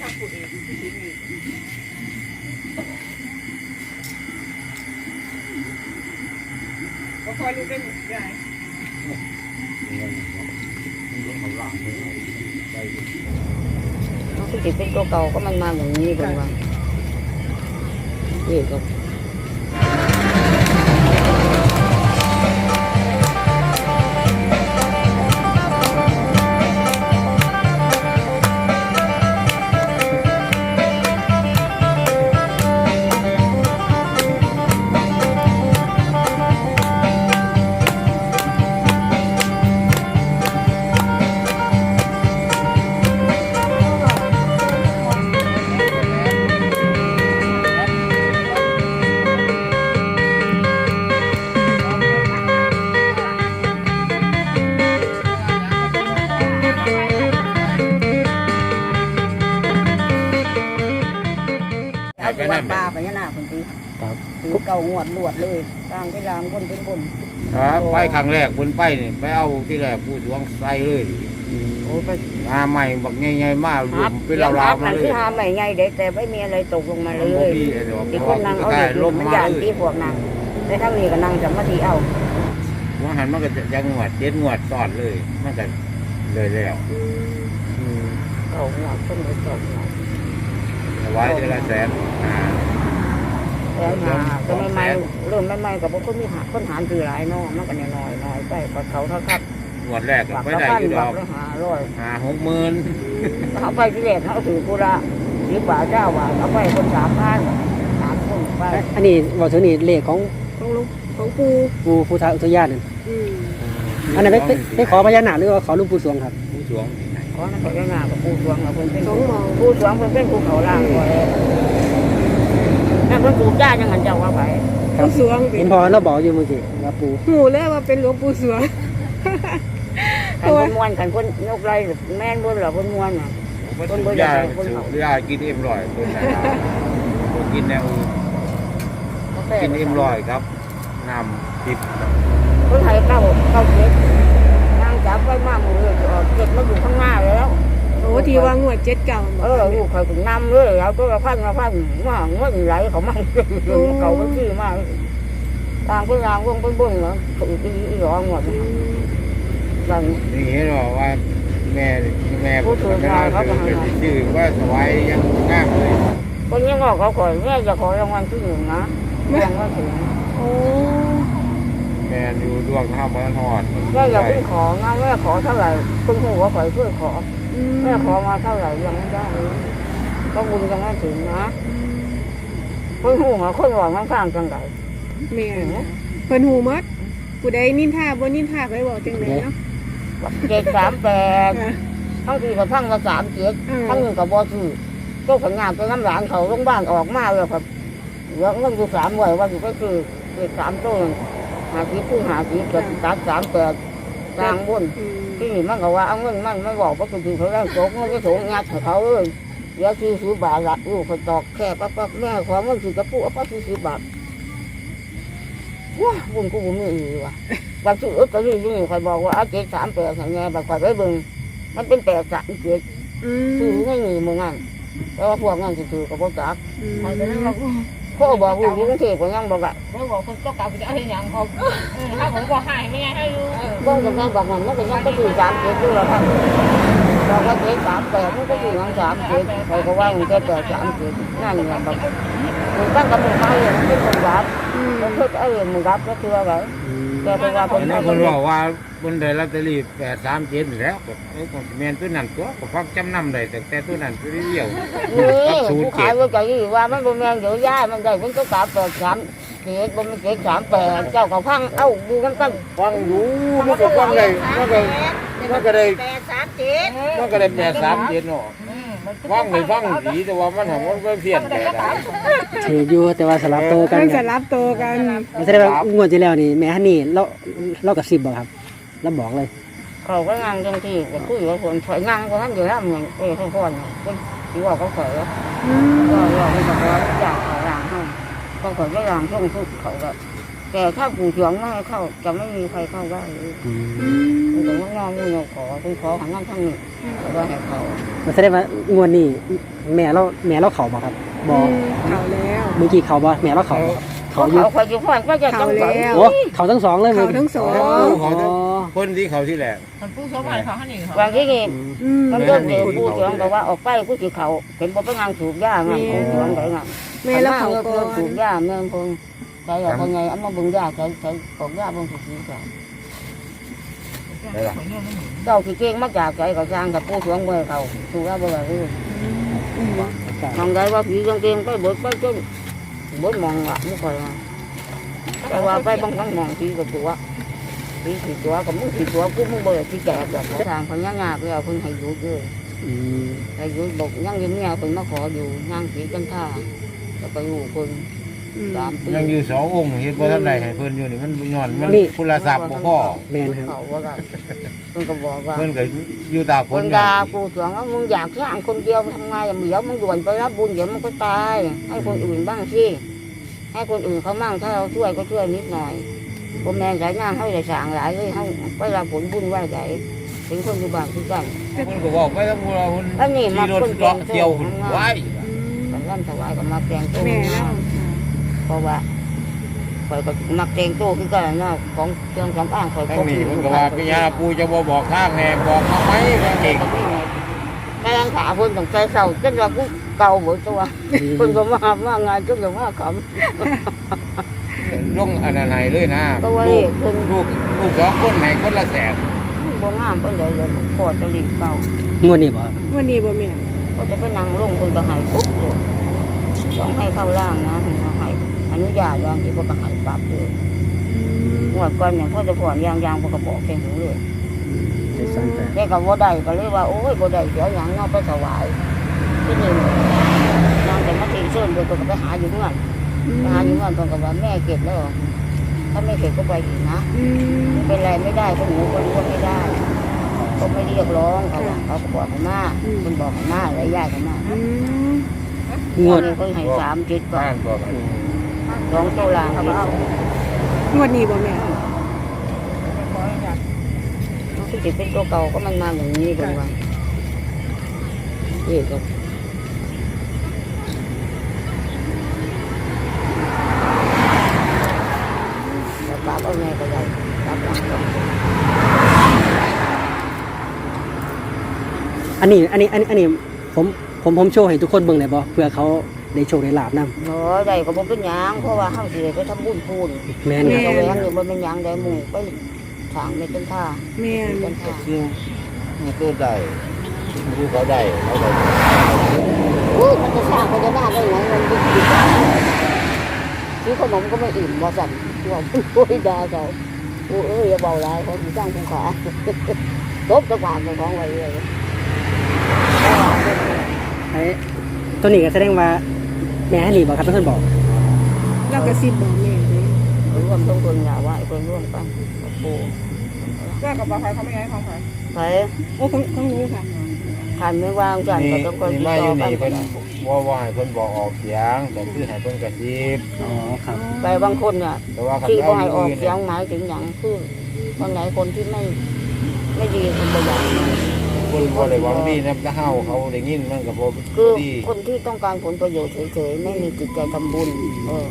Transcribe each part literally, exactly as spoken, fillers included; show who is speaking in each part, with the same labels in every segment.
Speaker 1: างขุดเองที่ดินก็คอยรู้ได้ใหญ่
Speaker 2: มันคือเป็นตัวเก่าก็มันมาอย่างนี้เป็นว่านี่ก็
Speaker 3: ไปนั่น
Speaker 2: ปลาไปนี่นาคนตีถือเก่างวดลวดเลยกลางไปลามคนเป็นบน
Speaker 3: ครับไปครั้งแรกบนไปนี่ไปเอาที่แรกผู้สวงใส่เลย
Speaker 2: โอ้ไป
Speaker 3: หาใหม่บักใหญ่ๆมากรวมเป็นลาวๆมาเลย
Speaker 2: ที่หาใหม่ใหญ่เด็กแต่ไม่มีอะไรตกลงมาเลย
Speaker 3: ที่
Speaker 2: ที่คนนั่งเอาเด็กลมมันยานที่พวกนั่งในทั้งนี้ก็นั่งจะมาทีเอา
Speaker 3: ว่าหันมันก็จะยังงวดเจ็ดงวดซ้อนเลยมันก็เลยแล้ว
Speaker 2: เก่างวดคนเลยตก
Speaker 3: ไว้เดือนละแสนอ่า
Speaker 2: แล้วหาก็ไม่ไม่เริ่มไม่ไม่กับพวกคนมีหาคนหารคือหลายน้องมันก็น้อยน้อยไปกว่าเขาเท่าครับ
Speaker 3: งวดแรกก็
Speaker 2: บัก
Speaker 3: ไม่
Speaker 2: ละ
Speaker 3: ได้
Speaker 2: พัน
Speaker 3: อยู่ด
Speaker 2: บั
Speaker 3: อก ก
Speaker 2: ละหาร้อย
Speaker 3: หาหกหมื่น
Speaker 2: เขาไปที่แรกเขาถือกุระสิบบาทเจ้าบาทเอาไปคนสามพันสามคนไป
Speaker 4: อันนี้บอกถึงนี่เลขของ
Speaker 1: ของลุงของปู
Speaker 4: ปูพุทธอุทยานนั่น
Speaker 1: อืม
Speaker 4: อันนั้นไปไปขอพญานาคหรือว่าขอหลุงปู่สวงครับ
Speaker 3: ผู้สวง
Speaker 2: ขอนั่นขอยังงากับปูสวงกับคนเป็นปูสวงคนเป็นภูเขาล่างก่อนนั่นคนปูจ้ายังหันเจ้าว่าไป
Speaker 1: ปูสวง
Speaker 4: เห็นพอเราบอกอยู่เมื่อกี้ว่าปู
Speaker 1: หูเลยว่าเป็นหลวงปู่สวง
Speaker 2: ขันคนมวนขันคนยกไรแม่นบนหรอคนมวนอ่ะ
Speaker 3: คนบริยาบริยากินเอ็มร้อยคนไหนคนกินแนวกินเอ็มร้อยครับน้ำติด
Speaker 2: คนไทยเก้าเก้าเจ็ดนางจับไว้มากเลยเจ็ดมาอยู่ข้างหน้าแล้ว
Speaker 1: โอ้ทีว่างวดเจ็ดเก่า
Speaker 2: เออลูกเขาถึงนำเลยเอาตัวละพันละพันว่าเงินไหลเขาไม่เขาไม่ซื้อมากทางเป็นรางวงเป็นบุญเหรอถือที่ร้องหมดอย่าง
Speaker 3: นี่เห็นบอกว่าแม่แม่ผมไม่ได้เป็นชื่อว่าสวายยังง่ามเลย
Speaker 2: คนยังบอกเขาขอแม่จะขอรางวัลที่หนึ่งนะยังไม่ถึง
Speaker 1: โอ้
Speaker 3: แม่อยู่ดวงข้าวมันทอด
Speaker 2: แม่อย่าเพิ่งของนะแม่ขอเท่าไหร่คุณครูก็ขอช่วยขอแม่ขอมาเท่าไหร่ยังไม่ได้ก็บุญยังไม่ถึงนะคุณครูมาคนหวังข้างๆจังไร
Speaker 1: แม่เพิ่นหูมัดผู้ใดนินทาบ่นินทาไปบอกจังไดเนาะ
Speaker 2: เจ็ดสามแปดทั้งที่กับทั้งละสามเจ็ดทั้งหนึ่งกับบอสื่อก็ผลงานไปน้ำหลานเขาโรงพยาบาลออกมาเลยครับเหลือเงินอยู่สามวันว่าอยู่ก็คือเจ็ดสามต้นหาสีผู้หาสีเกิดตัดสามแปดกลางบนที่มันก็ว่าเอาเงินมันไม่บอกว่าคือเขาแรงโจกมันก็โฉงงัดเขาเลยเดี๋ยวซื้อซื้อบาทละลูกคนตอกแค่ปั๊บปั๊บแม่ขอเงินซื้อกระปุกเอาปั๊บซื้อซื้อบาทว้าบุญกูบุญไม่อีว่ะบางทีเออก็ยิ่งยิ่งใครบอกว่าเอาเจ็ดสามแปดไงบางคนไปเบิ่งมันเป็นแปดสามเจ็ดซื้อไม่มีมืองั้นแต่ว่าพวกงั้นถือกับพวกจักเขาบอกว่าอยู่กรุงเทพก็ยังบอกว่าเขาบอกคนต้องการจะเอาอย่างเขาถ้าผมบอกหายไม่ไงให้รู้ก็ยังไงบอกมันมันก็ยังก็ถือสามเจ็ดด้วยหรอครับบอกว่าเจ็ดสามแปดมันก็ถือยังสามเจ็ดเขาก็ว่ามันจะแปดสามเจ็ดนั่นแหละแบบมันตั้งกับมือไม้มันเป็นคนรับมันเพื่อไอ้มือรับก็คืออะไรแต่เพราะว่าคน
Speaker 3: นั้นคนบอกว่าบนได้ลอตเตอรี่แปดสามเจ็ดแล้วก็ไอ้คนแมนตัวนั้นตัวก็ฟักจำนำได้แต่แต่ตัวนั้นตัวเดียว
Speaker 2: นี่ผู้ขายว่าใจว่ามันเป็นแมงเดี๋ยวย้ายมันได้มันก็สามแปดสามเจ็ดมันเจ็ดสามแปดเจ้าก็พังเอ้าดูกันกัน
Speaker 3: ฟังอยู่มันก็ฟังได้มันก็มันก็ได้
Speaker 2: แปดสามเจ็ด
Speaker 3: มันก็ได้แปดสามเจ็ดเนาะฟังไม่ฟังดีแต่ว่ามันของมันก็เพี้ยนแปดได้
Speaker 4: ถืออยู่แต่ว่าสลับโตวกัน
Speaker 1: มัน
Speaker 4: ค
Speaker 1: จะ
Speaker 4: รับ
Speaker 1: รับโตกัน
Speaker 4: ไม่ใช่ว่างวดที่แล้วนี่แม่ฮันนี่เราเรากับสิบบอกครับเราบอกเลย
Speaker 2: เขาก็งานจังที่ก็คุยกับคนถอยงานก็นั่นอยู่แล้วเหมือนเออเขาคนเป็นที่ว่าเขาเขยก็ว่าไม่ต้องว่าอยากขอรางให้เขาเขยก็รางช่วงทุกเขาก็แต่ถ้าปู่เฉียงไม่ให้เข้าจะไม่มีใครเข้าได้
Speaker 4: อืม
Speaker 2: เมันก็งอมือขอเป็นขอหันนั่งทั้งนี้แล้วก็ให้เขา
Speaker 4: มันแสดงว่างวดนี้แม่เราแม่เราเขาบ่ครับบ่
Speaker 1: เขาแล้ว
Speaker 4: เมื่อกี้เขาบ่แม่เราเขาบ่เขา
Speaker 2: เขา
Speaker 4: อยู่
Speaker 2: เขาคอยอยู่พ่อนก็จะต้อง
Speaker 1: เขาแล้ว
Speaker 4: โอ้เขาทั้งสองเลย
Speaker 1: เขาทั้งสอง
Speaker 3: เขาทั้ง
Speaker 4: อ๋อ
Speaker 3: คนที่เขาที่แหละ
Speaker 5: มันผู้สมัยเขาให้หนึ่งเขา
Speaker 2: บางทีนี่
Speaker 1: อืม
Speaker 2: มันเริ่มเดือดปูเสียงแต่ว่าออกไปกูสิเขาเห็นบ่เป็นงานสูบยาไงปูเสียงไหนไง
Speaker 1: แม่แล้วเขา
Speaker 2: เพิ่
Speaker 1: ก่อ
Speaker 2: มสู
Speaker 1: น
Speaker 2: บยาแม่เพิ่งใส่เอาคนไงเอามาบึงยาใส่ใส่กอกยาเบิ่งสิสิจ้ะเจ้าสิเก่งมาจากใจก็สร้างกับปูเสียงเมื่อเขาสูบยาบ่ได้เลย มองได้ว่าผีกางเกงไปบดไปจนบดมองละไม่ค่อยมาแต่ว่าไปบางครั้งมองผีกับตัวผีผีตัวกับมึงผีตัวกูมึงเบื่อที่แก่แบบทางคนย่างงาไปเอาคนให้อยู่เยอะ
Speaker 4: อืม
Speaker 2: ให้อยู่บอกย่างยิ้มเงี้ยคนมาขออยู่ย่างผีกันท่าแล้วไปอยู่คนสามปี
Speaker 3: ยังอยู่สององค์เฮ็ดบ่ทันได้ให้เพิ่นอยู่นี่มันย้อนมันคุณละศัพท์บ่พอ
Speaker 4: แม่นครับ
Speaker 2: เขาว่ากันเพิ่นก็บอกว่า
Speaker 3: เพิ่นก็อยู่ตาค
Speaker 2: คน น
Speaker 3: กั
Speaker 2: ด่าน กูเสียงว่ามึงอยากสร้างคนเดียวทำไงเดี๋ยวมึงด่วนไปรับบุญเดี๋ยวมันก็ตายให้คนอื่นบ้างสิให้คนอื่นเขามั่งถ้าเราช่วยก็ช่วยนิดหน่อยผมแม่สายงานเขาได้สั่งหลายเลยเขาไปรับผลบุญไหวใจถึงคนอยู่บ้านที่กัน
Speaker 3: เพิ่นก็บอกไปทั้งพวกเราเพิ่น
Speaker 2: อันนี้มา
Speaker 3: ขี่รถ
Speaker 2: คนแก
Speaker 3: เจาะ
Speaker 2: ง
Speaker 3: เที่ยวไว้
Speaker 2: กันร่ำถวายกับมาแกงโต้
Speaker 1: แม่แล้ว
Speaker 2: เพราะว่าคอยก็มักแกงโต้คือกันนะของเครื่องสำอางคอย
Speaker 3: ทั้งนี้เพิ่นก็ว่าพี่ยาปูจะบ่บอกทางแน่บอกมาไหมเพิ่นเก่ง
Speaker 2: แม่ยังขาเพิ่นต้องใจเศร้าจนว่ากูเก่าหมดตัวเพิ่นก็มาว่างานจนก็ว่าขำ
Speaker 3: ลงอันนั้นให้เลยนะ
Speaker 2: ก็ว่า
Speaker 3: ลู
Speaker 2: เด็
Speaker 3: ก
Speaker 2: กเพิ่น
Speaker 3: ลูกลูกสองคนให้คนละแสน
Speaker 2: บ่งามเพิ่นเลยเลยพอจะรีบเก่าง
Speaker 4: วดนี้บ่ครับ
Speaker 1: วันนี้บ่แม่
Speaker 2: ก็จะไปนั่งลงเพิ่นก็ให้ปุ๊บเลยต้องให้เข้าล่างนะเพิ่นก็ให้อนุญาตยางที่เพิ่นก็ให้ปรับเลยงวดก่อนเนี่ยพ่อจะผ่อนยางยางเพิ่นก็บอกแค่หูเลย
Speaker 4: ได้สั่งแต่
Speaker 2: แม่ก็บ่ได้ก็เลยว่าโอ้ยบ่ได้เสียหยังเนาะไปถวายที่นี่นางแต่มาตีเชิญเพิ่นก็ไปหาอยู่เงื่อนไปหาอยู่เงื่อนเพิ่นก็ว่าแม่เก็บแล้วถ้าไม่เก็บก็ไปอีกนะ
Speaker 1: อืม
Speaker 2: ไม่เป็นไรไม่ได้ก็หนูคนก็ไม่ได้ก็ไม่เรียกร้องเขาว่าเขาก็บอกให้มาคุณบอกให้มาอะไรยากให้มา
Speaker 1: อืม
Speaker 4: งวด
Speaker 2: คนให้สามจิตก่อ
Speaker 3: บ้าน นบอกกัน
Speaker 2: สองโตลางเขาเอา
Speaker 1: งวดนี้บ่แม่
Speaker 2: ที่จิตเป็นตัวเก่าก็มันมาอย่างนี้กันว่าเอ๊ะก็แล้วปราบเอาไงก็ได้ปราบหลังก็
Speaker 4: อันนี้อันนี้อันนี้อันนี้ผมผมผมโชว์ให้ทุกคนเบิ่งได้บ่เพื่อเขาได้โชคได้ลาบนํ
Speaker 2: เนาะได้ก็บ่เป็นหยังเพราะว่าเฮาสิได้ไปทำบุญพูน
Speaker 4: แม่น
Speaker 2: แม่
Speaker 4: ครับ
Speaker 2: แหวงอยู่บ่เป็นหยังได้หมู่ไปทางไม่เป็นท่า
Speaker 1: แม่น
Speaker 2: เป็นท่า
Speaker 3: ซึ่งมันตัวได้ผู้เขาได้เขาได้
Speaker 2: อุ้ยมันจะสร้างพญานาคได้ไงมันดิบดิบซื้อขนมก็ไม่อิ่มบ่สั่นที่ว่าโอ้ยดาเขาโอ้เอ้ยอย่าเบาหลายเขาสิสร้างภูเขาตบตะกวาดของไว้เลย
Speaker 4: ไอ้ตัวนี้ก็แสดงว่าแม่ฮันนี่บ่ครับเป็นคนบอก
Speaker 1: เราก็สิบบอกแม่เลย
Speaker 2: รวมทุกคนอย่าว่าไอ้คนร่วมกันกับปู
Speaker 5: แจ้งกับใครเขาไม่ให้ของใคร
Speaker 2: ไป
Speaker 1: โอ้ของของหนูค่ะ
Speaker 2: ขันไม่วางกัน
Speaker 3: นี่
Speaker 2: ก็ต้องคน
Speaker 3: นี่
Speaker 2: ติด
Speaker 3: มาอ
Speaker 2: ต่อยู่ กัน
Speaker 3: นี่เพิ่นว่าว่าให้เพิ่นบอกออกเสียงแต่คือให้เพิ่นกระซิบ
Speaker 4: อ๋อครับ
Speaker 2: ไปบางคนเนี่ย
Speaker 3: แต่ว่าคัน
Speaker 2: ที่
Speaker 3: เอา
Speaker 2: บ่ให้ออก
Speaker 3: อื่น
Speaker 2: เสียงหมายถึงอย่างคือคนไหนคนที่ไม่ไม่ดีคนประหยัด
Speaker 3: คนบ่ได้หวังดีนะถ้าเฮาเขาได้ยินมันก็บ่
Speaker 2: คือ
Speaker 3: ดี
Speaker 2: คนที่ต้องการผลประโยชน์เฉยๆไม่มีจิตใจทำบุญเออ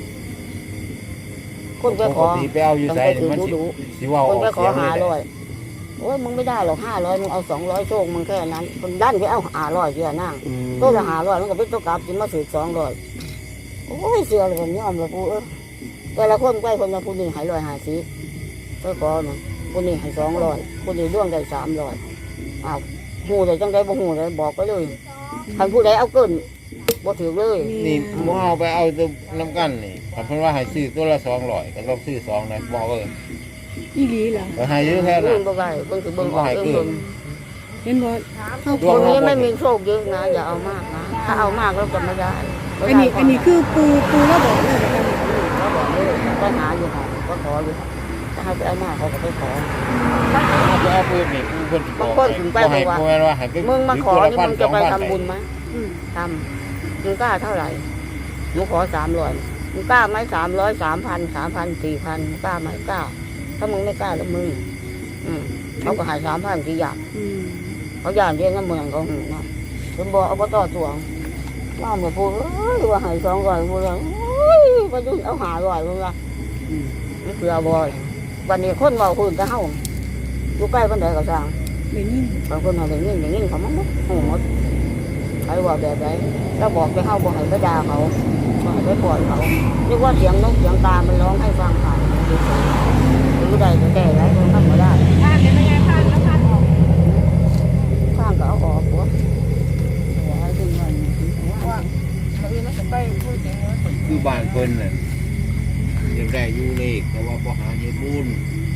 Speaker 2: คนไป
Speaker 3: ป
Speaker 2: ข
Speaker 3: ก
Speaker 2: อ
Speaker 3: ติไปเอาอยู่
Speaker 2: ต้อง
Speaker 3: ไส
Speaker 2: ไป
Speaker 3: นี่
Speaker 2: ถือ
Speaker 3: มัน
Speaker 2: ดู
Speaker 3: สิ
Speaker 2: ดู
Speaker 3: สิเว้า
Speaker 2: ค
Speaker 3: อน อก
Speaker 2: ไปขอ
Speaker 3: เสียง
Speaker 2: หา
Speaker 3: เลย
Speaker 2: ร้อยโอ้ยมึงไม่ได้หรอกห้าร้อยมึงเอาสองร้อยโชคมึงแค่นั้นคนด้านไปเอาหาร้อยเสียนั่ง
Speaker 4: อืม
Speaker 2: ตัวละหาร้อยมันก็เป็นตัวกลับจิมาสืบสองร้อยโอ้ยเสือเลยผมยอมเลยปูเออแต่ละคนใกล้คนละผู้นี้ให้ร้อยห้าสิบไปขอนะผู้นี้ให้สองร้อยผู้นี้ร่วงได้สามร้อยอ้าวหูเลยจังได้บ่หูเลยบอกไปเลยใครผู้ใดเอาเกินบ่ถือเลย
Speaker 3: นี่บ่เอาไปเอาตัวน้ำกันนี่คันเพิ่นว่าให้ซื้อตัวละสองร้อยก็ต้องซื้อสองนะบอกเออ
Speaker 1: อีหลีเหรอ
Speaker 3: ก็ให้เยอะแค่
Speaker 2: เรื่
Speaker 3: นั้
Speaker 2: อน งบ่ได้เบิ่งสิเบิ่งออกเองเบิ่ง
Speaker 1: เห็นบ่เข้า
Speaker 3: ด
Speaker 2: คว
Speaker 3: ง
Speaker 2: น
Speaker 3: เรา
Speaker 2: นี้ไม่มีโชคเยอะนะอย่าเอามากนะถ้าเอามากแล้วจะไม่ได้
Speaker 1: อันนี้อันนี้คือปูปูแล้วบอกเลยนะคะ
Speaker 2: ก็บอกเลยก็หาอยู่ค่ะก็ขออยู่ถ้าให้ไปเอามากเขาก็ไปขอ
Speaker 3: เอาไปเอาปืนนี่คือเพิ่นสิบอก
Speaker 2: บางคนถึงไป
Speaker 3: บ่ให้
Speaker 2: บอกว่า
Speaker 3: บ่แม่นว่าให้ไป
Speaker 2: มึงมาขอ
Speaker 3: ซื้
Speaker 2: นี่
Speaker 3: ตัว
Speaker 2: มึ
Speaker 3: ละ
Speaker 2: งจะไป
Speaker 3: พัน
Speaker 2: ทำบุญไหม
Speaker 1: อืม
Speaker 2: ทำมึงกล้าเท่าไหร่หนูขอสามร้อยมึงกล้าไหมสามร้อยสามพันสามพันสี่พันกล้าไหมกล้า ถ้ามึงไม่กล้าแล้วมึงอืมเขาก็หายสามพันที่ยาน
Speaker 1: อืม
Speaker 2: เขายานเรียนน้ำเมืองเขาเนาะเป็นบ่อบตสวงว่าเมื่อพูดเอ้ยว่าหายสองร้อยพูดแล้วโอ้ยไปยุ่นเอาหาร้อยพูดละ
Speaker 4: อืม
Speaker 2: นี่คือบ่อยวันนี้คนเมาคนจะเฮาอยู่ใกล้คนใดก็สร้าง
Speaker 1: ได้ยิน
Speaker 2: บางคนเอาอย่างนี้อย่างนี้เขามันหมดโอ้หมดใครว่าแบบไหนแล้วบอกไปเฮาบอกให้ไปด่าเขาบอกให้ไปปล่อยเขาเรียกว่าเสียงนกเสียงตามันร้องให้ฟังผ่านหรือใดก็แก้ไรคนทำมาได้
Speaker 5: ผ่านได้ไหมยายผ่านแล้วผ่านออก
Speaker 2: ข้างก็เอาออกหัวหัวให้ถึงเงินหัว
Speaker 5: ว่าบางทีมันจะไปพูดจริงว่า
Speaker 3: คือบ้านเพิ่นน่ะยังได้อยู่เลขแต่ว่าบ่หาเฮ็ดบุญ
Speaker 1: อ